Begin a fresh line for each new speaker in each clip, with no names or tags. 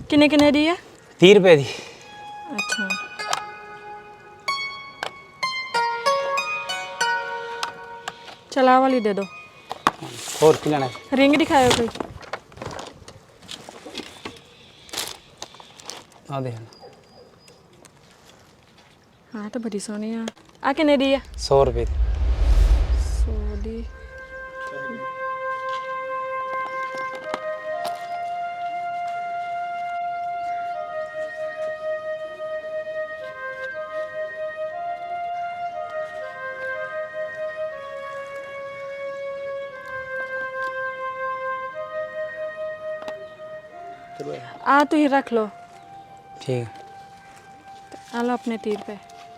किन्ने किन्ने दी है?
30 रुपए दी।
अच्छा चला वाली दे दो।
और की लेना?
रिंग दिखाओ कोई।
आ दे।
हाँ तो बड़ी सोहनी आ किन्ने दी है?
100 रुपए दी।
100 दी। आ तू ही रख लो।
ठीक है।
आ लो अपने 30 रुपए।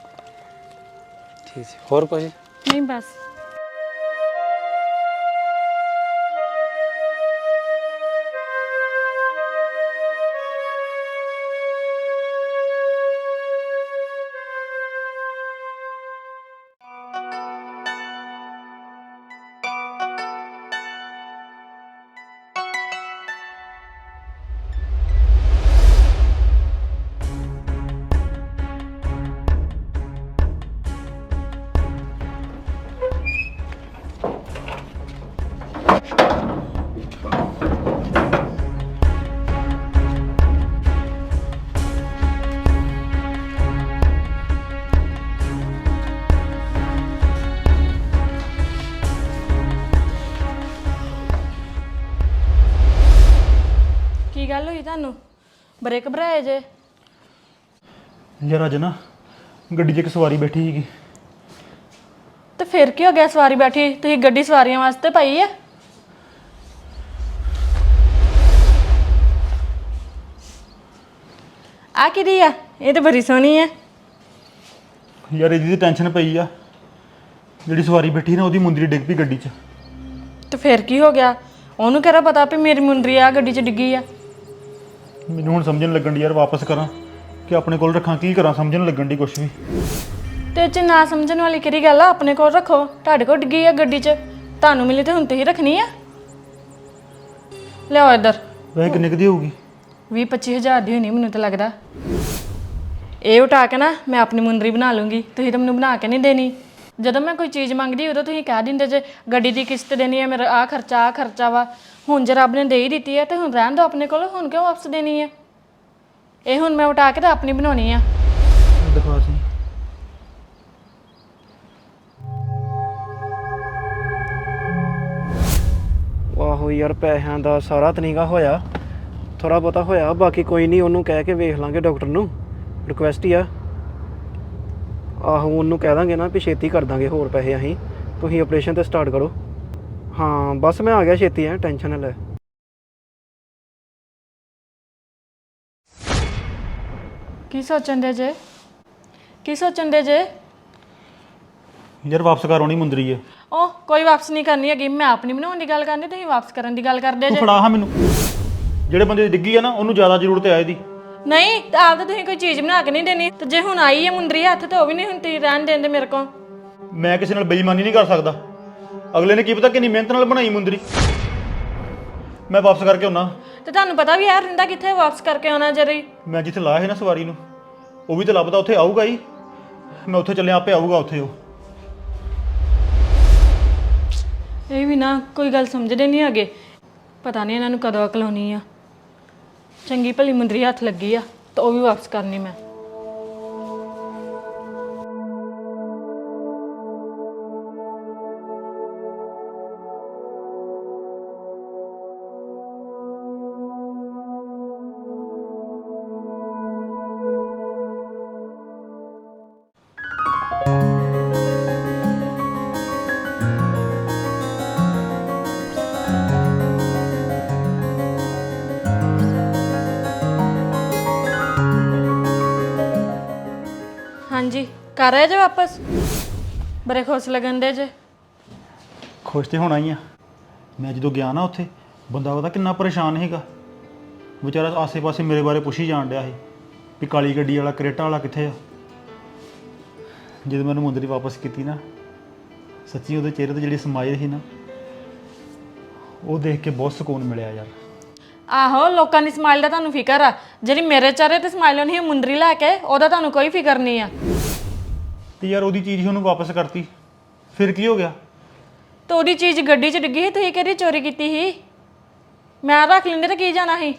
ठीक है। और कुछ?
नहीं बस। की गल हुई तुहानू? बड़े घबराए जे।
यार अज ना गड्डी 'च एक सवारी बैठी सीगी।
तो फिर की हो गया सवारी बैठी? तुसीं गड्डी सवारियों वास्ते पाई है। आ किहदी आ? ये तो बड़ी सोहनी है।
यार ਇਹਦੀ ਟੈਨਸ਼ਨ ਪਈ ਆ, ਜਿਹੜੀ ਸਵਾਰੀ ਬੈਠੀ ਨਾ ਉਹਦੀ ਮੁੰਦਰੀ ਡਿੱਗ ਪਈ ਗੱਡੀ 'ਚ।
तो फिर की हो गया? ਉਹਨੂੰ ਕਿਹੜਾ ਪਤਾ ਵੀ ਮੇਰੀ ਮੁੰਦਰੀ ਆ ਗੱਡੀ 'ਚ ਡਿੱਗੀ ਆ?
ਮੈਨੂੰ ਹੁਣ ਸਮਝਣ ਲੱਗਣ ਦੀ ਯਾਰ ਵਾਪਸ ਕਰਾਂ ਕਿ ਆਪਣੇ ਕੋਲ ਰੱਖਾਂ, ਕੀ ਕਰਾਂ ਸਮਝਣ ਲੱਗਣ ਦੀ ਕੁਛ ਵੀ।
ਤੇ ਇਹ 'ਚ ਨਾ ਸਮਝਣ ਵਾਲੀ ਕਿਹੜੀ ਗੱਲ ਆ? ਆਪਣੇ ਕੋਲ ਰੱਖੋ। ਤੁਹਾਡੇ ਕੋਲ ਡਿੱਗੀ ਆ ਗੱਡੀ 'ਚ, ਤੁਹਾਨੂੰ ਮਿਲੀ ਤੇ ਹੁਣ ਤੁਸੀਂ ਰੱਖਣੀ ਆ। ਲਿਆਓ ਇੱਧਰ।
ਵੈਸੇ ਕਿੰਨੇ ਕੁ ਦੀ ਹੋਊਗੀ?
20-25 ਹਜ਼ਾਰ ਦੀ ਹੋਣੀ ਮੈਨੂੰ ਤਾਂ ਲੱਗਦਾ। ਇਹ ਉਠਾ ਕੇ ਨਾ ਮੈਂ ਆਪਣੀ ਮੁੰਦਰੀ ਬਣਾ ਲੂੰਗੀ, ਤੁਸੀਂ ਤਾਂ ਮੈਨੂੰ ਬਣਾ ਕੇ ਨਹੀਂ ਦੇਣੀ। ਜਦੋਂ ਮੈਂ ਕੋਈ ਚੀਜ਼ ਮੰਗਦੀ ਉਦੋਂ ਤੁਸੀਂ ਕਹਿ ਦਿੰਦੇ ਜੇ ਗੱਡੀ ਦੀ ਕਿਸ਼ਤ ਦੇਣੀ ਹੈ, ਮੇਰਾ ਆਹ ਖਰਚਾ ਵਾ। ਹੁਣ ਜੇ ਰੱਬ ਨੇ ਦੇ ਹੀ ਦਿੱਤੀ ਹੈ ਤੇ ਹੁਣ ਰਹਿਣ ਦਿਓ ਆਪਣੇ ਕੋਲ, ਹੁਣ ਕਿਉਂ ਵਾਪਸ ਦੇਣੀ ਹੈ? ਇਹ ਹੁਣ ਮੈਂ ਉਠਾ ਕੇ ਤਾਂ ਆਪਣੀ ਬਣਾਉਣੀ ਆ।
ਦਿਖਾ ਸੀ।
ਆਹੋ ਯਾਰ ਪੈਸਿਆਂ ਦਾ ਸਾਰਾ ਤਨੀਗਾ ਹੋਇਆ, ਥੋੜਾ ਬਹੁਤਾ ਹੋਇਆ, ਬਾਕੀ ਕੋਈ ਨਹੀਂ, ਉਹਨੂੰ ਕਹਿ ਕੇ ਵੇਖ ਲਾਂਗੇ ਡਾਕਟਰ ਨੂੰ, ਰਿਕੁਐਸਟ ਹੀ ਆ। ਆਹੋ ਉਹਨੂੰ ਕਹਿ ਦਾਂਗੇ ਨਾ ਵੀ ਛੇਤੀ ਕਰ ਦਾਂਗੇ ਹੋਰ ਪੈਸੇ ਅਸੀਂ, ਤੁਸੀਂ ਆਪਰੇਸ਼ਨ ਤੇ ਸਟਾਰਟ ਕਰੋ। ਹਾਂ ਬਸ ਮੈਂ ਆ ਗਿਆ ਛੇਤੀ, ਹੈ ਟੈਨਸ਼ਨ ਨਾ ਲੈ।
ਕੀ ਸੋਚਣ ਦੇ ਜੇ? ਕੀ ਸੋਚਣ ਦੇ ਜੇ?
ਯਾਰ ਵਾਪਸ ਕਰ ਆਉਣੀ ਮੁੰਦਰੀ ਹੈ।
ਉਹ ਕੋਈ ਵਾਪਸ ਨਹੀਂ ਕਰਨੀ ਹੈਗੀ, ਮੈਂ ਆਪਣੀ ਬਣਾਉਣ ਦੀ ਗੱਲ ਕਰਨੀ, ਤੁਸੀਂ ਵਾਪਸ ਕਰਨ ਦੀ ਗੱਲ ਕਰਦੇ
ਤੂੰ
ਜੇ।
ਫੜਾ ਹਾਂ ਮੈਨੂੰ, ਜਿਹੜੇ ਬੰਦੇ ਦੀ ਡਿੱਗੀ ਆ ਨਾ ਉਹਨੂੰ ਜ਼ਿਆਦਾ ਜ਼ਰੂਰਤ ਹੈ ਇਹਦੀ।
ਨਹੀਂ ਤਾਂ ਆਪ ਤਾਂ ਤੁਸੀਂ ਕੋਈ ਚੀਜ਼ ਬਣਾ ਕੇ ਨਹੀਂ ਦੇਣੀ, ਤੇ ਜੇ ਹੁਣ ਆਈ ਹੈ ਮੁੰਦਰੀ ਹੱਥ ਤੇ ਉਹ ਵੀ ਨਹੀਂ ਹੁਣ ਤੁਸੀਂ ਰਹਿਣ ਦੇਂਦੇ ਮੇਰੇ ਕੋਲ।
ਮੈਂ ਕਿਸੇ ਨਾਲ ਬੇਈਮਾਨੀ ਨਹੀਂ ਕਰ ਸਕਦਾ, ਅਗਲੇ ਨੇ ਕੀ ਪਤਾ ਕਿੰਨੀ ਮਿਹਨਤ ਨਾਲ ਬਣਾਈ ਮੁੰਦਰੀ। ਮੈਂ ਵਾਪਸ ਕਰਕੇ ਆਉਣਾ।
ਤੇ ਤੁਹਾਨੂੰ ਪਤਾ ਵੀ ਯਾਰ ਰਿੰਦਾ ਕਿੱਥੇ ਵਾਪਸ ਕਰਕੇ ਆਉਣਾ ਜਰੀ?
ਮੈਂ ਜਿੱਥੇ ਲਾਇਆ ਸੀ ਨਾ ਸਵਾਰੀ ਨੂੰ, ਉਹ ਵੀ ਤਾਂ ਲੱਭਦਾ ਉੱਥੇ ਆਊਗਾ ਹੀ। ਮੈਂ ਉੱਥੇ ਚੱਲਿਆ, ਆਪੇ ਆਊਗਾ ਉੱਥੇ ਉਹ।
ਇਹ ਵੀ ਨਾ ਕੋਈ ਗੱਲ ਸਮਝਦੇ ਨਹੀਂ ਹੈਗੇ, ਪਤਾ ਨਹੀਂ ਇਹਨਾਂ ਨੂੰ ਕਦੋਂ ਅਕਲ ਆਉਣੀ ਆ। ਚੰਗੀ ਭਲੀ ਮੁੰਦਰੀ ਹੱਥ ਲੱਗੀ ਆ ਤਾਂ ਉਹ ਵੀ ਵਾਪਸ ਕਰਨੀ ਮੈਂ। ਹਾਂਜੀ ਕਰ ਆਏ ਜੇ ਵਾਪਸ? ਬੜੇ ਖੁਸ਼ ਲੱਗਣ ਦੇ ਜੇ।
ਖੁਸ਼ ਤੇ ਹੋਣਾ ਹੀ ਆ। ਮੈਂ ਜਦੋਂ ਗਿਆ ਨਾ ਉੱਥੇ, ਬੰਦਾ ਉਹਦਾ ਕਿੰਨਾ ਪਰੇਸ਼ਾਨ ਸੀਗਾ ਵਿਚਾਰਾ, ਆਸੇ-ਪਾਸੇ ਮੇਰੇ ਬਾਰੇ ਪੁੱਛੀ ਜਾਣ ਡਿਆ ਸੀ ਵੀ ਕਾਲੀ ਗੱਡੀ ਵਾਲਾ ਕਰੇਟਾ ਵਾਲਾ ਕਿੱਥੇ ਆ। ਜਦੋਂ ਮੈਨੂੰ ਮੁੰਦਰੀ ਵਾਪਸ ਕੀਤੀ ਨਾ, ਸੱਚੀ ਉਹਦੇ ਚਿਹਰੇ ਤੇ ਜਿਹੜੀ ਸਮਾਈਲ ਸੀ ਨਾ, ਉਹ ਦੇਖ ਕੇ ਬਹੁਤ ਸਕੂਨ ਮਿਲਿਆ ਯਾਰ।
ਆਹੋ ਲੋਕਾਂ ਦੀ ਸਮਾਈਲ ਦਾ ਤੁਹਾਨੂੰ ਫਿਕਰ ਆ, ਜਿਹੜੀ ਮੇਰੇ ਚਿਹਰੇ ਤੇ ਸਮਾਈਲ ਨਹੀਂ ਮੁੰਦਰੀ ਲੈ ਕੇ ਉਹਦਾ ਤੁਹਾਨੂੰ ਕੋਈ ਫਿਕਰ ਨਹੀਂ ਆ।
ਤੇ ਯਾਰ ਉਹਦੀ ਚੀਜ਼ ਹੀ ਉਹਨੂੰ ਵਾਪਸ ਕਰਤੀ, ਫਿਰ ਕੀ ਹੋ ਗਿਆ?
ਤੇ ਉਹਦੀ ਚੀਜ਼ ਗੱਡੀ 'ਚ ਡਿੱਗੀ ਸੀ, ਤੁਸੀਂ ਕਿਹੜੀ ਚੋਰੀ ਕੀਤੀ ਸੀ? ਮੈਂ ਰੱਖ ਲੈਂਦੇ ਤਾਂ ਕੀ ਜਾਣਾ ਸੀ?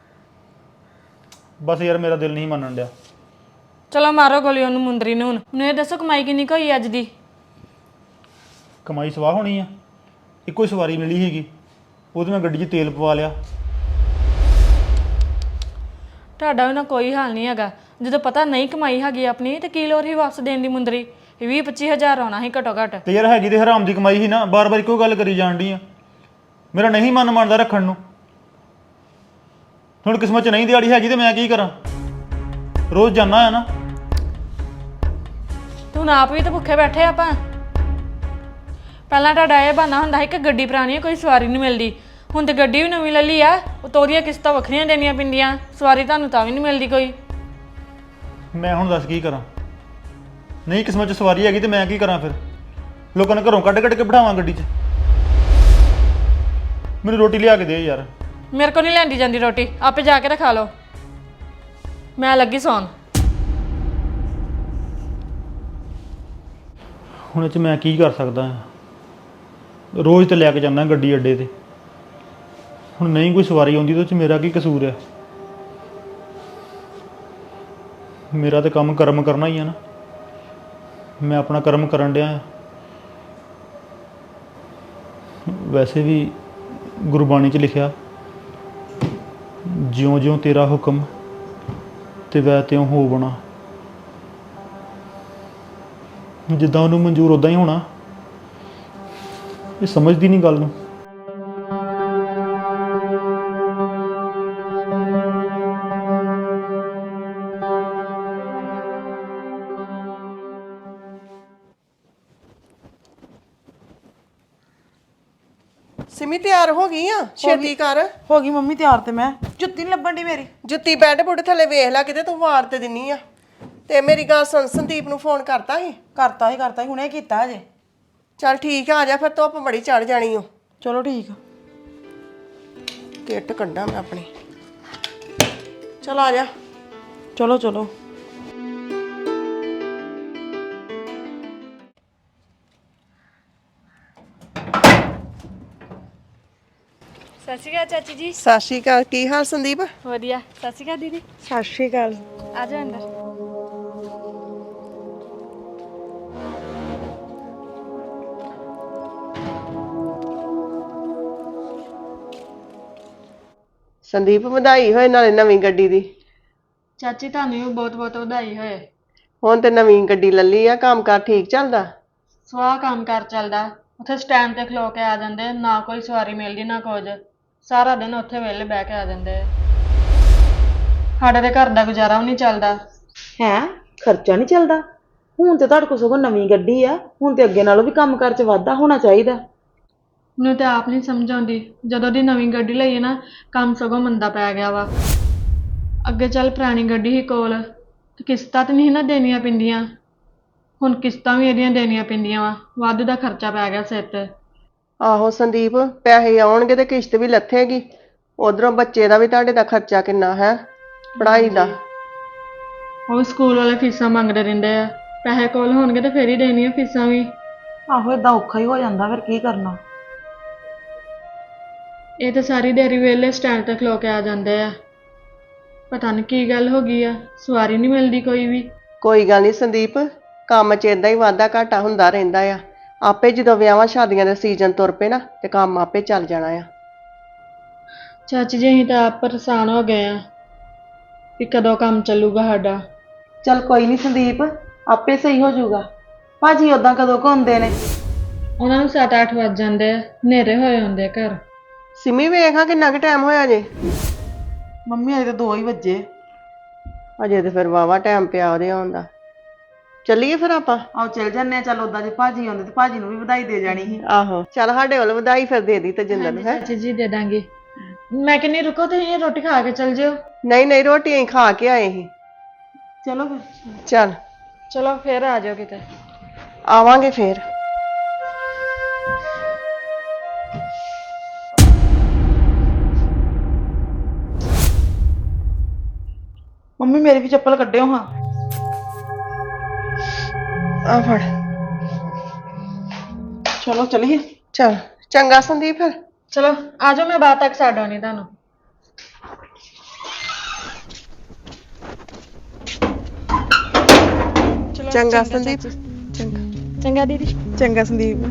ਬਸ ਯਾਰ ਮੇਰਾ ਦਿਲ ਨਹੀਂ ਮੰਨਣ ਡਿਆ।
ਚਲੋ ਮਾਰੋ ਗੋਲੀ ਉਹਨੂੰ ਮੁੰਦਰੀ ਨੂੰ। ਹੁਣ ਮੈਨੂੰ ਇਹ ਦੱਸੋ ਕਮਾਈ ਕਿੰਨੀ ਕੁ ਹੋਈ ਅੱਜ ਦੀ?
ਕਮਾਈ ਸਵਾਹ ਹੋਣੀ ਆ, ਇੱਕੋ ਹੀ ਸਵਾਰੀ ਮਿਲੀ ਸੀਗੀ, ਉਹਦੇ ਮੈਂ ਗੱਡੀ 'ਚ ਤੇਲ ਪਵਾ ਲਿਆ।
ਤੁਹਾਡਾ ਉਹਨਾਂ ਕੋਈ ਹਾਲ ਨਹੀਂ ਹੈਗਾ। ਜਦੋਂ ਪਤਾ ਨਹੀਂ ਕਮਾਈ ਹੈਗੀ ਆਪਣੀ ਤੇ ਕੀ ਲੋੜ ਹੀ ਵਾਪਸ ਦੇਣ ਦੀ ਮੁੰਦਰੀ? 20-25 ਹਜ਼ਾਰ ਆਉਣਾ ਸੀ ਘੱਟੋ ਘੱਟ।
ਤੇ ਯਾਰ ਹੈਗੀ ਤੇ ਹਰਾਮ ਦੀ ਕਮਾਈ ਸੀ ਨਾ, ਬਾਰ-ਬਾਰ ਇੱਕੋ ਗੱਲ ਕਰੀ ਜਾਣ ਡਈ ਆ। ਮੇਰਾ ਨਹੀਂ ਮਨ ਮੰਨਦਾ ਰੱਖਣ ਨੂੰ। ਹੁਣ ਕਿਸਮਤ 'ਚ ਨਹੀਂ ਦਿਹਾੜੀ ਹੈਗੀ ਤੇ ਮੈਂ ਕੀ ਕਰਾਂ? ਰੋਜ਼ ਜਾਣਾ ਹੈ ਨਾ।
ਤੂੰ ਆਪ ਵੀ ਤਾਂ ਭੁੱਖੇ ਬੈਠੇ ਆਪਾਂ। ਪਹਿਲਾਂ ਤੁਹਾਡਾ ਇਹ ਬਹਾਨਾ ਹੁੰਦਾ ਸੀ ਕਿ ਗੱਡੀ ਪੁਰਾਣੀ ਹੈ, ਕੋਈ ਸਵਾਰੀ ਨਹੀਂ ਮਿਲਦੀ। ਹੁਣ ਤੇ ਗੱਡੀ ਵੀ ਨਵੀਂ ਲੈ ਲਈ ਆ, ਉਹ ਉਹਦੀਆਂ ਕਿਸ਼ਤਾਂ ਵੱਖਰੀਆਂ ਦੇਣੀਆਂ ਪੈਂਦੀਆਂ, ਸਵਾਰੀ ਤੁਹਾਨੂੰ ਤਾਂ ਵੀ ਨਹੀਂ ਮਿਲਦੀ ਕੋਈ।
ਮੈਂ ਹੁਣ ਦੱਸ ਕੀ ਕਰਾਂ? ਨਹੀਂ ਕਿਸਮਤ 'ਚ ਸਵਾਰੀ ਹੈਗੀ ਤੇ ਮੈਂ ਕੀ ਕਰਾਂ ਫਿਰ? ਲੋਕਾਂ ਨੇ ਘਰੋਂ ਕੱਢ ਕੇ ਬਿਠਾਵਾਂ ਗੱਡੀ 'ਚ? ਮੈਨੂੰ ਰੋਟੀ ਲਿਆ ਕੇ ਦੇ ਯਾਰ।
ਮੇਰੇ ਕੋਲ ਨਹੀਂ ਲੈਂਦੀ ਜਾਂਦੀ ਰੋਟੀ, ਆਪੇ ਜਾ ਕੇ ਤਾਂ ਖਾ ਲਓ। ਮੈਂ ਲੱਗੀ ਸੌਣ।
ਹੁਣ ਇਹ 'ਚ ਮੈਂ ਕੀ ਕਰ ਸਕਦਾ ਹਾਂ? ਰੋਜ਼ ਤੇ ਲੈ ਕੇ ਜਾਂਦਾ ਗੱਡੀ ਅੱਡੇ ਤੇ, ਹੁਣ ਨਹੀਂ ਕੋਈ ਸਵਾਰੀ ਆਉਂਦੀ ਤਾਂ ਉਹ 'ਚ ਮੇਰਾ ਕੀ ਕਸੂਰ ਹੈ? ਮੇਰਾ ਤਾਂ ਕੰਮ ਕਰਮ ਕਰਨਾ ਹੀ ਆ ਨਾ। ਮੈਂ ਆਪਣਾ ਕਰਮ ਕਰਨ ਡਿਆ ਹਾਂ। ਵੈਸੇ ਵੀ ਗੁਰਬਾਣੀ 'ਚ ਲਿਖਿਆ, ਜਿਉਂ ਜਿਉਂ ਤੇਰਾ ਹੁਕਮ ਤੇ ਵੈ ਤਿਉਂ ਹੋ ਬਣਾ। ਜਿੱਦਾਂ ਉਹਨੂੰ ਮਨਜ਼ੂਰ ਉਦਾਂ ਹੀ ਹੋਣਾ। ਇਹ ਸਮਝਦੀ ਨਹੀਂ ਗੱਲ ਨੂੰ।
ਸਿਮੀ ਤਿਆਰ ਹੋ ਗਈ ਆ? ਛੇਤੀ ਕਰ।
ਹੋ ਗਈ ਮੰਮੀ ਤਿਆਰ। ਤੇ ਮੈਂ ਜੁੱਤੀ ਨੀ ਲੱਭਣ ਦੀ ਮੇਰੀ।
ਜੁੱਤੀ ਬੈੱਡ ਬੁੱਡ ਥੱਲੇ ਵੇਖ ਲੈ ਕਿਤੇ, ਤੂੰ ਵਾਰ ਤੇ ਦਿੰਨੀ ਆ। ਤੇ ਮੇਰੀ ਗੱਲ ਸੁਣ, ਸੰਦੀਪ ਨੂੰ ਫੋਨ ਕਰਤਾ ਸੀ?
ਕਰਤਾ ਹੀ ਹੁਣੇ ਕੀਤਾ ਅਜੇ।
ਚੱਲ ਠੀਕ ਆ, ਆ ਜਾ ਫਿਰ, ਧੁੱਪ ਬੜੀ ਚੜ ਜਾਣੀ ਓ।
ਚਲੋ ਠੀਕ ਆ।
ਕਿੱਟ ਕੱਢਾਂ ਮੈਂ ਆਪਣੀ। ਚਲ ਆ ਜਾ।
ਚਲੋ ਚਲੋ।
ਸਤਿ ਸ਼੍ਰੀ ਅਕਾਲ ਚਾਚੀ ਜੀ।
ਸਤਿ ਸ਼੍ਰੀ ਅਕਾਲ। ਕੀ ਹਾਲ ਸੰਦੀਪ?
ਵਧੀਆ। ਸਤਿ ਸ਼੍ਰੀ ਅਕਾਲ ਦੀਦੀ।
ਸਤਿ ਸ਼੍ਰੀ ਅਕਾਲ।
ਆ ਜਾ ਅੰਦਰ।
ਸੰਦੀਪ ਵਧਾਈ ਹੋਏ ਨਾਲੇ ਨਵੀਂ ਗੱਡੀ ਦੀ।
ਚਾਚੀ ਤੁਹਾਨੂੰ ਵੀ ਬਹੁਤ ਬਹੁਤ ਵਧਾਈ ਹੋਏ।
ਹੁਣ ਤੇ ਨਵੀਂ ਗੱਡੀ ਲੱਲੀ ਆ, ਕੰਮਕਾਰ ਠੀਕ ਚੱਲਦਾ?
ਸਵਾਹ ਕੰਮ ਕਾਰ ਚੱਲਦਾ। ਉੱਥੇ ਸਟੈਂਡ ਤੇ ਖਲੋ ਕੇ ਆ ਜਾਂਦੇ, ਨਾ ਕੋਈ ਸਵਾਰੀ ਮਿਲਦੀ ਨਾ ਕੁਝ। ਸਾਰਾ ਦਿਨ ਉੱਥੇ ਵਿਹਲੇ ਬਹਿ ਕੇ ਆ ਜਾਂਦੇ। ਸਾਡੇ ਦੇ ਘਰ ਦਾ ਗੁਜ਼ਾਰਾ ਵੀ ਨਹੀਂ ਚੱਲਦਾ।
ਹੈ ਖਰਚਾ ਨਹੀਂ ਚੱਲਦਾ? ਹੁਣ ਤੇ ਤੁਹਾਡੇ ਕੋਲ ਸਗੋਂ ਨਵੀਂ ਗੱਡੀ ਆ, ਹੁਣ ਤੇ ਅੱਗੇ ਨਾਲੋਂ ਵੀ ਕੰਮਕਾਰ 'ਚ ਵਾਧਾ ਹੋਣਾ ਚਾਹੀਦਾ।
ਮੈਨੂੰ ਤੇ ਆਪ ਨਹੀਂ ਸਮਝ ਆਉਂਦੀ। ਜਦੋਂ ਦੀ ਨਵੀਂ ਗੱਡੀ ਲਈ ਹੈ ਨਾ, ਕੰਮ ਸਗੋਂ ਮੰਦਾ ਪੈ ਗਿਆ ਵਾ। ਅੱਗੇ ਚੱਲ ਪੁਰਾਣੀ ਗੱਡੀ ਹੀ ਕੋਲ ਤੇ ਕਿਸ਼ਤਾਂ ਤੇ ਨਹੀਂ ਨਾ ਦੇਣੀਆਂ ਪੈਂਦੀਆਂ। ਹੁਣ ਕਿਸ਼ਤਾਂ ਵੀ ਇਹਦੀਆਂ ਦੇਣੀਆਂ ਪੈਂਦੀਆਂ ਵਾ, ਵਾਧੂ ਦਾ ਖਰਚਾ ਪੈ ਗਿਆ ਸਿਰ ਤੇ।
ਆਹੋ ਸੰਦੀਪ, ਪੈਸੇ ਆਉਣਗੇ ਤੇ ਕਿਸ਼ਤ ਵੀ ਲੱਥੇਗੀ। ਉਧਰੋਂ ਬੱਚੇ ਦਾ ਵੀ ਤੁਹਾਡੇ ਦਾ ਖਰਚਾ ਕਿੰਨਾ ਹੈ, ਪੜ੍ਹਾਈ ਦਾ।
ਉਹ ਸਕੂਲ ਵਾਲੇ ਫੀਸਾਂ ਮੰਗਦੇ ਰਹਿੰਦੇ ਆ। ਪੈਸੇ ਕੋਲ ਹੋਣਗੇ ਤੇ ਫੇਰ ਹੀ ਦੇਣੀਆਂ ਫੀਸਾਂ ਵੀ।
ਆਹੋ ਏਦਾਂ ਔਖਾ ਹੀ ਹੋ ਜਾਂਦਾ, ਫਿਰ ਕੀ ਕਰਨਾ।
ਇਹ ਤਾਂ ਸਾਰੀ ਦਿਹਾੜੀ ਵਿਹਲੇ ਸਟੈਂਡ ਤੇ ਖਲੋ ਕੇ ਆ ਜਾਂਦੇ ਆ। ਪਤਾ ਨਹੀਂ ਕੀ ਗੱਲ ਹੋ ਗਈ ਆ, ਸਵਾਰੀ ਨਹੀਂ ਮਿਲਦੀ ਕੋਈ ਵੀ।
ਕੋਈ ਗੱਲ ਨਹੀਂ ਸੰਦੀਪ, ਕੰਮ 'ਚ ਏਦਾਂ ਹੀ ਵਾਧਾ ਘਾਟਾ ਹੁੰਦਾ ਰਹਿੰਦਾ ਆ। ਆਪੇ ਜਦੋਂ ਵਿਆਹਾਂ ਸ਼ਾਦੀਆਂ ਦੇ ਸੀਜ਼ਨ ਤੁਰ ਪਏ ਨਾ ਤੇ ਕੰਮ ਆਪੇ ਚੱਲ ਜਾਣਾ ਆ।
ਚਾਚੀ ਜੀ ਅਸੀਂ ਤਾਂ ਆਪ ਪਰੇਸ਼ਾਨ ਹੋ ਗਏ ਆ ਵੀ ਕਦੋਂ ਕੰਮ ਚੱਲੂਗਾ ਸਾਡਾ।
ਚੱਲ ਕੋਈ ਨਹੀਂ ਸੰਦੀਪ, ਆਪੇ ਸਹੀ ਹੋ ਜਾਊਗਾ। ਭਾਜੀ ਉਦਾਂ ਕਦੋਂ ਕੁ ਆਉਂਦੇ ਨੇ?
ਉਹਨਾਂ ਨੂੰ 7-8 ਵੱਜ ਜਾਂਦੇ ਆ, ਹਨੇਰੇ ਹੋਏ ਹੁੰਦੇ ਆ ਘਰ।
ਸਿਮੀ ਵੇਖਾਂ ਕਿੰਨਾ ਕੁ ਟਾਈਮ ਹੋਇਆ ਜੇ?
ਮੰਮੀ ਅਜੇ ਤਾਂ 2 ਹੀ ਵੱਜੇ।
ਅਜੇ ਤੇ ਫਿਰ ਵਾਵਾ ਟਾਈਮ ਪਿਆ ਉਹਦੇ ਆਉਣ ਦਾ। ਚੱਲੀਏ ਫਿਰ ਆਪਾਂ?
ਆਓ ਚੱਲ ਜੰਨੇ ਆ। ਚੱਲ ਉਦਾਂ ਜੇ ਭਾਜੀ ਆਉਂਦੇ ਤੇ ਭਾਜੀ ਨੂੰ ਵੀ ਵਧਾਈ ਦੇ ਜਾਣੀ ਸੀ।
ਆਹੋ ਚੱਲ, ਸਾਡੇ ਵੱਲ ਵਧਾਈ ਫਿਰ ਦੇ ਦੀ ਤੇਜਿੰਦਰ ਨੂੰ। ਹੈ
ਚਾਚੀ ਜੀ ਦੇ ਦਾਂਗੇ। ਮੈਂ ਕਹਿੰਦੀ ਰੁਕੋ, ਤੁਸੀਂ ਰੋਟੀ ਖਾ ਕੇ ਚੱਲ ਜਿਓ।
ਨਹੀਂ ਨਹੀਂ, ਰੋਟੀ ਅਸੀਂ ਖਾ ਕੇ ਆਏ ਸੀ।
ਚਲੋ ਫਿਰ।
ਚੱਲ
ਚਲੋ ਫੇਰ ਆ ਜਾਓ ਕਿਤੇ।
ਆਵਾਂਗੇ ਫੇਰ।
ਮੰਮੀ ਮੇਰੀ ਵੀ ਚੱਪਲ ਕੱਢਿਓ ਹਾਂ।
ਆ ਫੜ।
ਚਲੋ ਚਲੀਏ।
ਚਲ ਚੰਗਾ ਸੰਦੀਪ ਫਿਰ।
ਚਲੋ ਆ ਜਾਓ, ਮੈਂ ਬਾਅਦ ਤੱਕ ਛੱਡ ਆਉਣੀ ਤੁਹਾਨੂੰ। ਚਲੋ
ਚੰਗਾ ਸੰਦੀਪ। ਚੰਗਾ
ਚੰਗਾ ਦੀਦੀ।
ਚੰਗਾ ਸੰਦੀਪ।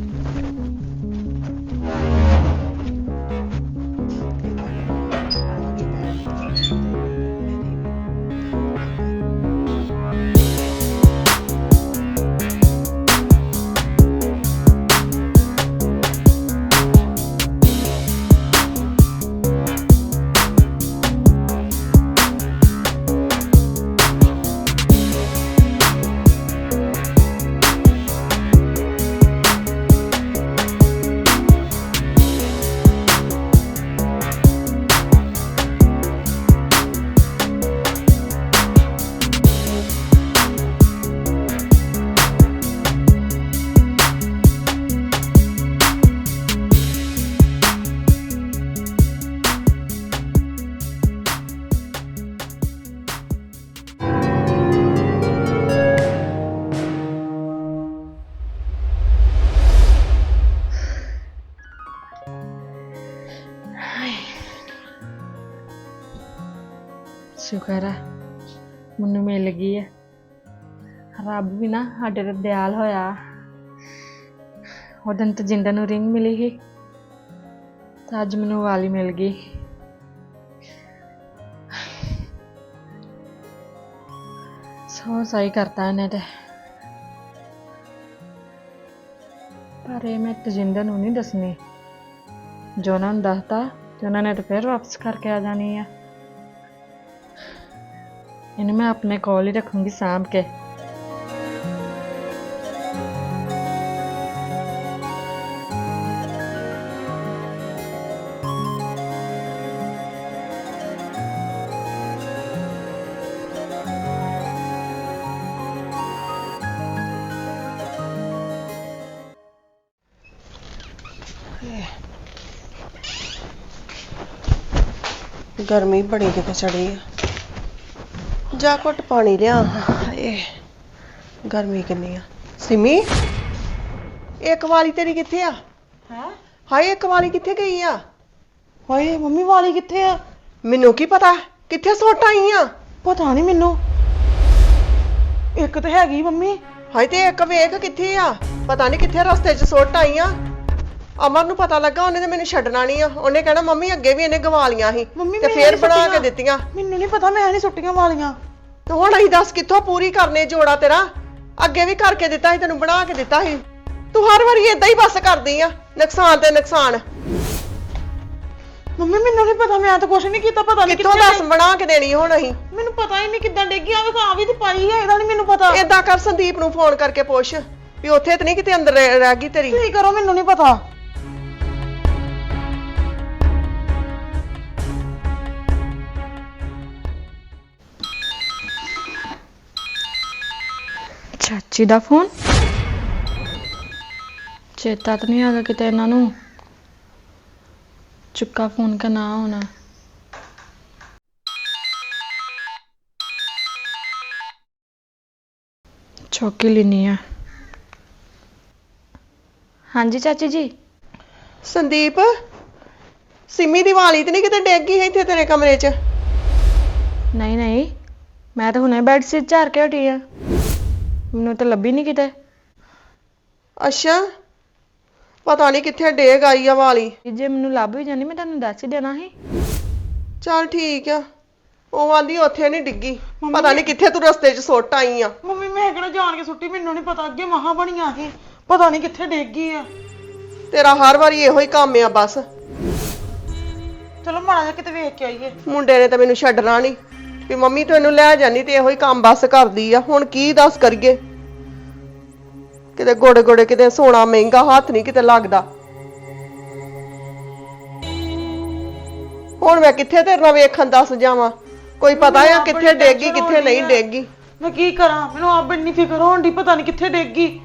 ਸ਼ੁਕਰ ਹੈ ਮੈਨੂੰ ਮਿਲ ਗਈ ਹੈ। ਰੱਬ ਵੀ ਨਾ ਸਾਡੇ ਤੇ ਦਿਆਲ ਹੋਇਆ। ਉਹ ਦਿਨ ਤਾਂ ਜਿੰਦਾ ਨੂੰ ਰਿੰਗ ਮਿਲੀ ਸੀ ਤਾਂ ਅੱਜ ਮੈਨੂੰ ਵਾਲੀ ਮਿਲ ਗਈ। ਸੋ ਸਹੀ ਕਰਤਾ ਇਹਨੇ ਤੇ। ਪਰ ਇਹ ਮੈਂ ਤਜਿੰਦਰ ਨੂੰ ਨਹੀਂ ਦੱਸਣੀ। ਜੋ ਉਹਨਾਂ ਨੂੰ ਦੱਸਤਾ ਤੇ ਉਹਨਾਂ ਨੇ ਤਾਂ ਫਿਰ ਵਾਪਸ ਕਰਕੇ ਆ ਜਾਣੀ ਆ। ਇਹਨੂੰ ਮੈਂ ਆਪਣੇ ਕੋਲ ਹੀ ਰੱਖੂੰਗੀ ਸਾਂਭ ਕੇ।
ਗਰਮੀ ਬੜੀ ਕਿਤੇ ਚੜੀ ਆ। ਜਾ ਘੁੱਟ ਪਾਣੀ ਲਿਆ। ਹਾਏ ਗਰਮੀ ਕਿੰਨੀ ਆ। ਸਿਮੀ ਇੱਕ ਵਾਲੀ ਤੇਰੀ ਕਿੱਥੇ ਆ?
ਹੈ
ਹਾਏ ਇੱਕ ਵਾਲੀ ਕਿੱਥੇ ਗਈ ਆ?
ਹਾਏ ਮੰਮੀ ਵਾਲੀ ਕਿੱਥੇ ਆ?
ਮੈਨੂੰ ਕੀ ਪਤਾ ਕਿੱਥੇ ਸੁੱਟ ਆਈ ਆ।
ਪਤਾ ਨਹੀਂ ਮੈਨੂੰ। ਇੱਕ ਤਾਂ ਹੈਗੀ ਮੰਮੀ।
ਹਾਏ ਤੇ ਇੱਕ ਵੇਖ ਕਿੱਥੇ ਆ। ਪਤਾ ਨਹੀਂ ਕਿੱਥੇ ਰਸਤੇ 'ਚ ਸੁੱਟ ਆਈ ਆ। ਅਮਰ ਨੂੰ ਪਤਾ ਲੱਗਾ ਉਹਨੇ ਤੇ ਮੈਨੂੰ ਛੱਡਣਾ ਨਹੀਂ ਆ। ਉਹਨੇ ਕਹਿਣਾ ਮੰਮੀ ਅੱਗੇ ਵੀ ਇਹਨੇ ਗਵਾ ਲੀਆਂ ਸੀ
ਮੰਮੀ
ਤੇ
ਮੈਂ
ਫੇਰ
ਨੀ
ਬਣਾ ਕੇ
ਸੁੱਟੀਆਂ।
ਦਿੱਤੀਆਂ।
ਮੈਨੂੰ ਨਹੀਂ ਪਤਾ, ਮੈਂ ਨਹੀਂ ਸੁੱਟੀਆਂ ਵਾਲੀਆਂ।
ਤੇ ਹੁਣ ਅਸੀਂ ਦੱਸ ਕਿੱਥੋਂ ਪੂਰੀ ਕਰਨੇ ਜੋੜਾ ਤੇਰਾ। ਅੱਗੇ ਵੀ ਕਰਕੇ ਦਿੱਤਾ ਸੀ ਤੈਨੂੰ, ਬਣਾ ਕੇ ਦਿੱਤਾ ਸੀ। ਤੂੰ ਹਰ ਵਾਰੀ ਏਦਾਂ ਹੀ ਬਸ ਕਰਦੀ ਆ, ਨੁਕਸਾਨ ਤੇ ਨੁਕਸਾਨ।
ਮੰਮੀ ਮੈਨੂੰ ਨਹੀਂ ਪਤਾ, ਮੈਂ ਤਾਂ ਕੁਛ ਨਹੀਂ ਕੀਤਾ। ਪਤਾ ਨਹੀਂ
ਕਿੱਥੋਂ ਦੱਸ ਬਣਾ ਕੇ ਦੇਣੀ ਹੁਣ ਅਸੀਂ।
ਮੈਨੂੰ ਪਤਾ ਹੀ ਨਹੀਂ ਕਿੱਦਾਂ ਡੇਗੀ। ਆ ਵੇਖ ਆ ਵੀ ਤੇ ਪਾਈ ਹੈ, ਇਹਦਾ ਨਹੀਂ ਮੈਨੂੰ ਪਤਾ।
ਏਦਾਂ ਕਰ ਸੰਦੀਪ ਨੂੰ ਫੋਨ ਕਰਕੇ ਪੁੱਛ ਵੀ ਉੱਥੇ ਤੇ ਨਹੀਂ ਕਿਤੇ ਅੰਦਰ ਰਹਿ ਗਈ ਤੇਰੀ।
ਤੁਸੀਂ ਕਰੋ, ਮੈਨੂੰ ਨਹੀਂ ਪਤਾ।
ਚਾਚੀ ਦਾ ਫੋਨ। ਚੇਤਾ ਤਾਂ ਨਹੀਂ ਆ ਗਿਆ ਕਿਤੇ ਇਹਨਾਂ ਨੂੰ। ਚੁੱਕਾ ਫੋਨ का ना होना। चौकी लेनी है। हाँ जी चाची जी।
ਸੰਦੀਪ ਸਿਮੀ ਦੀ ਵਾਲੀ ਤੇ ਨਹੀਂ ਕਿਤੇ ਡਿੱਗ ਗਈ ਇੱਥੇ ਤੇਰੇ ਕਮਰੇ 'ਚ?
नहीं नहीं, मैं तो हुणे बेड शीट झाड़ के हटी हाँ। मैनू तो लभी नहीं किते।
ਅੱਛਾ ਪਤਾ ਨਹੀਂ ਕਿੱਥੇ ਡਿੱਗ ਆਈ ਆ ਵਾਲੀ।
जे मैनू लभ भी जानी मैं तुहानू दस ही देना ही।
ਚੱਲ ਠੀਕ ਆ। ਉਹ ਆਂਦੀ ਉੱਥੇ ਨਹੀਂ ਡਿੱਗੀ, ਪਤਾ ਨਹੀਂ ਕਿੱਥੇ ਤੂੰ ਰਸਤੇ 'ਚ ਸੁੱਟ ਆਈ ਆ।
ਮੰਮੀ ਮੈਂ ਕਿਹੜਾ ਜਾਣ ਕੇ ਸੁੱਟੀ, ਮੈਨੂੰ ਨਹੀਂ ਪਤਾ। ਅੱਗੇ ਮਹਾ ਬਣੀਆਂ ਸੀ, ਪਤਾ ਨਹੀਂ ਕਿੱਥੇ ਡਿੱਗ ਗਈ ਆ।
ਤੇਰਾ ਹਰ ਵਾਰੀ ਇਹੋ ਹੀ ਕੰਮ ਆ ਬਸ।
ਚਲੋ ਮਾੜਾ ਜਿਹਾ ਕਿਤੇ ਵੇਖ ਕੇ ਆਈਏ।
ਮੁੰਡੇ ਨੇ ਤਾਂ ਮੈਨੂੰ ਛੱਡਣਾ ਨਹੀਂ ਵੀ ਮੰਮੀ ਤੂੰ ਇਹਨੂੰ ਲੈ ਜਾਨੀ, ਤੇ ਇਹੋ ਹੀ ਕੰਮ ਬਸ ਕਰਦੀ ਆ। ਹੁਣ ਕੀ ਦੱਸ ਕਰੀਏ। ਕਿਤੇ ਗੋੜੇ ਗੋੜੇ ਕਿਤੇ ਸੋਨਾ ਮਹਿੰਗਾ ਹੱਥ ਨਹੀਂ ਕਿਤੇ ਲੱਗਦਾ। ਹੁਣ ਮੈਂ ਕਿੱਥੇ ਤੇਰੇ ਨਾਲ ਵੇਖਣ ਦੱਸ ਜਾਵਾਂ। ਕੋਈ ਪਤਾ ਆ ਕਿੱਥੇ ਡੇਗੀ ਕਿੱਥੇ ਨਹੀਂ ਡੇਗੀ।
ਮੈਂ ਕੀ ਕਰਾਂ, ਮੈਨੂੰ ਆਪ ਇੰਨੀ ਫਿਕਰ ਹੋਣ ਦੀ, ਪਤਾ ਨਹੀਂ ਕਿੱਥੇ ਡਿੱਗ ਗਈ।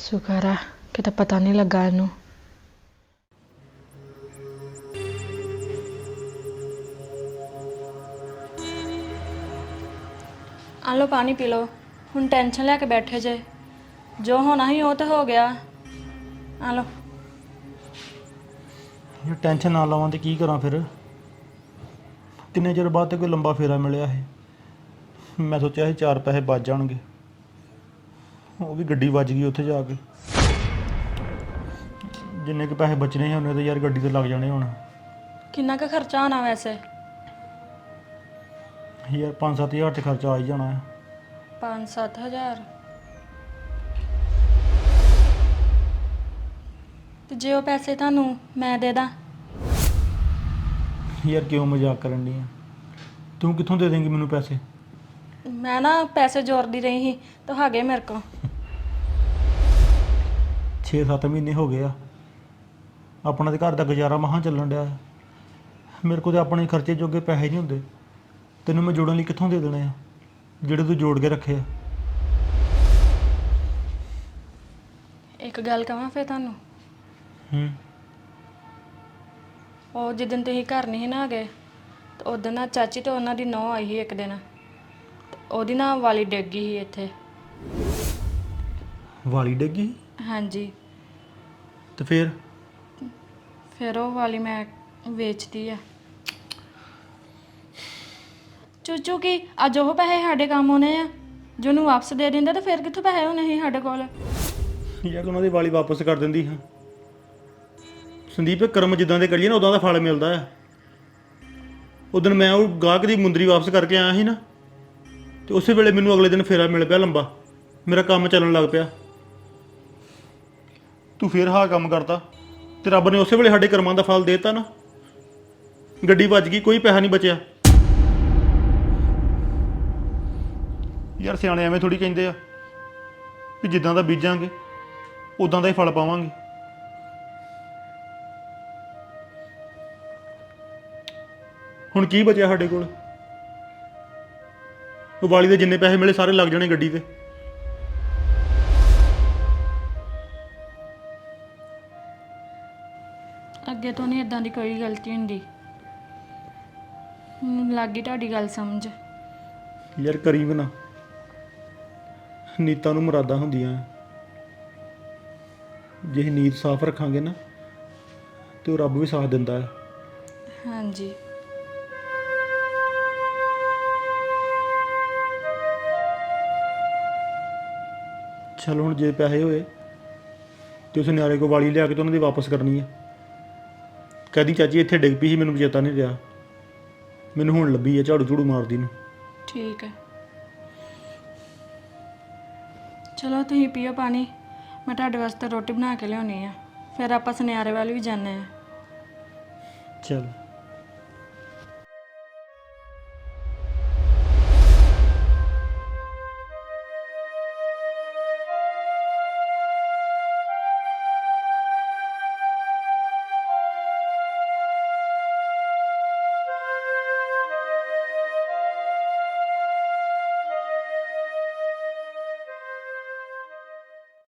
ਸ਼ੁਕਰ ਆ ਕਿਤੇ ਪਤਾ ਨਹੀਂ ਲੱਗਾ ਇਹਨੂੰ। ਆ ਲਓ ਪਾਣੀ ਪੀ ਲਓ। ਹੁਣ ਟੈਨਸ਼ਨ ਲੈ ਕੇ ਬੈਠੇ ਜੇ, ਜੋ ਹੋਣਾ ਸੀ ਉਹ ਤਾਂ ਹੋ ਗਿਆ। ਆ ਲਓ।
ਇਹ ਟੈਨਸ਼ਨ ਨਾ ਲਵਾਂ ਤੇ ਕੀ ਕਰਾਂ ਫਿਰ? ਕਿੰਨੇ ਚਿਰ ਬਾਅਦ ਤੇ ਕੋਈ ਲੰਬਾ ਫੇਰਾ ਮਿਲਿਆ ਇਹ। ਮੈਂ ਸੋਚਿਆ ਸੀ 4 ਪੈਸੇ ਬਚ ਜਾਣਗੇ, ਉਹ ਵੀ ਗੱਡੀ ਵੱਜ ਗਈ ਉੱਥੇ ਜਾ ਕੇ। ਜਿੰਨੇ ਕੁ ਪੈਸੇ ਬਚਣੇ ਸੀ ਉਹਨੇ ਤਾਂ ਯਾਰ ਗੱਡੀ ਤੇ ਲੱਗ ਜਾਣੇ ਹੁਣ।
ਕਿੰਨਾ ਕੁ ਖਰਚਾ ਹੋਣਾ ਵੈਸੇ?
ਯਾਰ 5-7 ਹਜ਼ਾਰ ਤੇ ਖਰਚਾ ਆ ਹੀ ਜਾਣਾ ਹੈ।
5-7 ਹਜ਼ਾਰ? ਤੇ ਜੇ ਉਹ ਪੈਸੇ ਤੁਹਾਨੂੰ ਮੈਂ ਦੇ ਦਾਂ?
ਯਾਰ ਕਿਉਂ ਮਜ਼ਾਕ ਕਰਨ ਡਈ ਆ? ਤੂੰ ਕਿੱਥੋਂ ਦੇ ਦੇਂਗੀ ਮੈਨੂੰ ਪੈਸੇ?
ਮੈਂ ਨਾ ਪੈਸੇ ਜੋੜਦੀ ਰਹੀ ਸੀ ਤਾਂ ਹੈਗੇ ਮੇਰੇ ਕੋਲ।
6-7 ਮਹੀਨੇ ਹੋ ਗਏ ਆ, ਆਪਣਾ ਤੇ ਘਰ ਦਾ ਗੁਜ਼ਾਰਾ ਮਹਾਂ ਚੱਲਣ ਡਿਆ। ਮੇਰੇ ਕੋਲ ਤੇ ਆਪਣੇ ਖਰਚੇ ਜੋਗੇ ਪੈਸੇ ਨਹੀਂ ਹੁੰਦੇ, ਤੈਨੂੰ ਮੈਂ ਜੋੜਨ ਲਈ ਕਿੱਥੋਂ ਦੇ ਦੇਣੇ ਆ ਜਿਹੜੇ ਤੂੰ ਜੋੜ ਕੇ ਰੱਖੇ ਆ?
ਇੱਕ ਗੱਲ ਕਹਾਂ ਫਿਰ ਤੁਹਾਨੂੰ। ਉਹ ਜਿੱਦਣ ਤੁਸੀਂ ਘਰ ਨਹੀਂ ਸੀ ਨਾ ਗਏ ਤੇ ਉਦੋਂ ਨਾ ਚਾਚੀ ਤੇ ਉਹਨਾਂ ਦੀ ਨੂੰਹ ਆਈ ਸੀ ਇੱਕ ਦਿਨ, ਤੇ ਉਹਦੀ ਨਾ ਵਾਲੀ ਡਿੱਗ ਗਈ ਸੀ ਇੱਥੇ।
ਵਾਲੀ ਡਿੱਗੀ?
ਹਾਂਜੀ।
ਤੇ ਫਿਰ?
ਫਿਰ ਉਹ ਵਾਲੀ ਮੈਂ ਵੇਚਦੀ ਆ। ਚੂਚੂ ਕੀ ਅੱਜ ਉਹ ਪੈਸੇ ਸਾਡੇ ਕੰਮ ਆਉਣੇ ਆ, ਜੇ ਉਹਨੂੰ ਵਾਪਸ ਦੇ ਦਿੰਦੇ ਤਾਂ ਫਿਰ ਕਿੱਥੋਂ ਪੈਸੇ ਹੋਣੇ ਸੀ ਸਾਡੇ ਕੋਲ?
ਯਾਰ ਉਹਨਾਂ ਦੀ ਵਾਲੀ ਵਾਪਸ ਕਰ ਦਿੰਦੀ ਹਾਂ ਸੰਦੀਪ। ਕਰਮ ਜਿੱਦਾਂ ਦੇ ਕਰੀਏ ਨਾ ਉਦਾਂ ਦਾ ਫਲ ਮਿਲਦਾ ਆ। ਉਦੋਂ ਮੈਂ ਉਹ ਗਾਹਕ ਦੀ ਮੁੰਦਰੀ ਵਾਪਸ ਕਰਕੇ ਆਇਆ ਸੀ ਨਾ, ਤੇ ਉਸੇ ਵੇਲੇ ਮੈਨੂੰ ਅਗਲੇ ਦਿਨ ਫੇਰਾ ਮਿਲ ਪਿਆ ਲੰਬਾ, ਮੇਰਾ ਕੰਮ ਚੱਲਣ ਲੱਗ ਪਿਆ। ਤੂੰ ਫੇਰ ਹਾਂ ਕੰਮ ਕਰਤਾ ਤੇ ਰੱਬ ਨੇ ਉਸੇ ਵੇਲੇ ਸਾਡੇ ਕਰਮਾਂ ਦਾ ਫਲ ਦੇਤਾ ਨਾ। ਗੱਡੀ ਵੱਜ ਗਈ, ਕੋਈ ਪੈਸਾ ਨਹੀਂ ਬਚਿਆ। ਯਾਰ ਸਿਆਣੇ ਐਵੇਂ ਥੋੜੀ ਕਹਿੰਦੇ ਆ ਵੀ ਜਿੱਦਾਂ ਦਾ ਬੀਜਾਂਗੇ ਉਦਾਂ ਦਾ ਹੀ ਫਲ ਪਾਵਾਂਗੇ। ਹੁਣ ਕੀ ਬਚਿਆ ਸਾਡੇ ਕੋਲ? ਉਹ ਵਾਲੀ ਦੇ ਜਿੰਨੇ ਪੈਸੇ ਮਿਲੇ ਸਾਰੇ ਲੱਗ ਜਾਣੇ ਗੱਡੀ ਤੇ।
ਅੱਗੇ ਤੋਂ ਨਹੀਂ ਇਦਾਂ ਦੀ ਕੋਈ ਗਲਤੀ ਹੁੰਦੀ। ਮੈਨੂੰ ਲੱਗ ਗਈ ਤੁਹਾਡੀ ਗੱਲ ਸਮਝ।
ਯਾਰ ਕਰੀ ਵੀ ਨਾ, ਨੀਤਾਂ ਨੂੰ ਮੁਰਾਦਾਂ ਹੁੰਦੀਆਂ। ਜੇ ਅਸੀਂ ਨੀਤ ਸਾਫ਼ ਰੱਖਾਂਗੇ ਨਾ ਤੇ ਉਹ ਰੱਬ ਵੀ ਸਾਥ ਦਿੰਦਾ ਹੈ।
ਹਾਂਜੀ।
ਚਲ ਹੁਣ ਜੇ ਪੈਸੇ ਹੋਏ ਤੇ ਉਸ ਨਿਆਰੇ ਕੋਲ ਵਾਲੀ ਲਿਆ ਕੇ ਤੇ ਉਹਨਾਂ ਦੀ ਵਾਪਸ ਕਰਨੀ ਹੈ। ਕਹਦੀ ਚਾਚੀ ਇੱਥੇ ਡਿੱਗ ਪਈ ਸੀ, ਮੈਨੂੰ ਚੇਤਾ ਨਹੀਂ ਰਿਹਾ, ਮੈਨੂੰ ਹੁਣ ਲੱਭੀ ਹੈ ਝਾੜੂ ਝੂੜੂ ਮਾਰਦੀ ਨੂੰ।
ਠੀਕ ਹੈ, ਚਲੋ ਤੁਸੀਂ ਪੀਓ ਪਾਣੀ, ਮੈਂ ਤੁਹਾਡੇ ਵਾਸਤੇ ਰੋਟੀ ਬਣਾ ਕੇ ਲਿਆਉਣੀ ਆ, ਫਿਰ ਆਪਾਂ ਸੁਨਿਆਰੇ ਵੱਲ ਵੀ ਜਾਂਦੇ ਆ।
ਚਲ।